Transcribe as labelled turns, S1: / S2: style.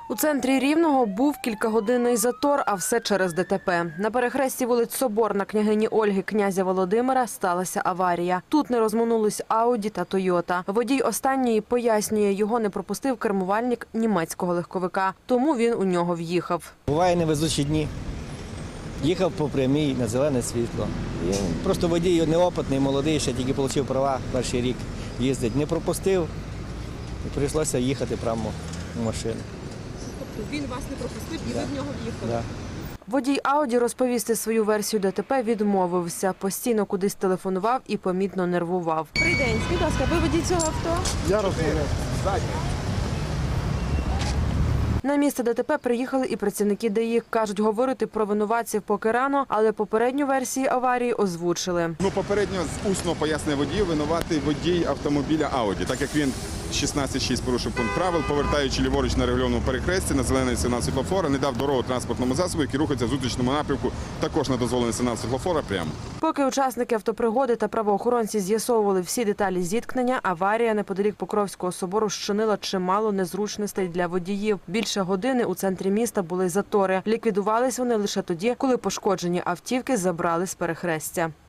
S1: У центрі Рівного був кількагодинний затор, а все через ДТП. На перехресті вулиць Соборна, княгині Ольги, князя Володимира сталася аварія. Тут не розминулись Ауді та Тойота. Водій останньої пояснює, його не пропустив кермувальник німецького легковика. Тому він у нього в'їхав.
S2: Буває невезучі дні. Їхав по прямій на зелене світло. І просто водій неопитний, молодий, ще тільки отримав права, перший рік їздить. Не пропустив і прийшлося їхати прямо в машину.
S1: Він вас не пропустив і ви в нього в'їхали?
S2: Да.
S1: Водій Ауді розповісти свою версію ДТП відмовився. Постійно кудись телефонував і помітно нервував.
S3: Добрий день. Скажіть, будь ласка, ви водій цього авто?
S4: Я розмовляв.
S1: На місце ДТП приїхали і працівники ДАІ. Кажуть, говорити про винуватців поки рано, але попередню версію аварії озвучили.
S4: Попередньо усно пояснює водію, винуватий водій автомобіля Ауді, так як він 16.6 порушив пункт правил, повертаючи ліворуч на регульованому перехресті на зелений сигнал світлофора, не дав дорогу транспортному засобу, який рухається в зустрічному напрямку, також на дозволений сигнал світлофора прямо.
S1: Поки учасники автопригоди та правоохоронці з'ясовували всі деталі зіткнення, аварія неподалік Покровського собору щинила чимало незручностей для водіїв. Більше години у центрі міста були затори. Ліквідувались вони лише тоді, коли пошкоджені автівки забрали з перехрестя.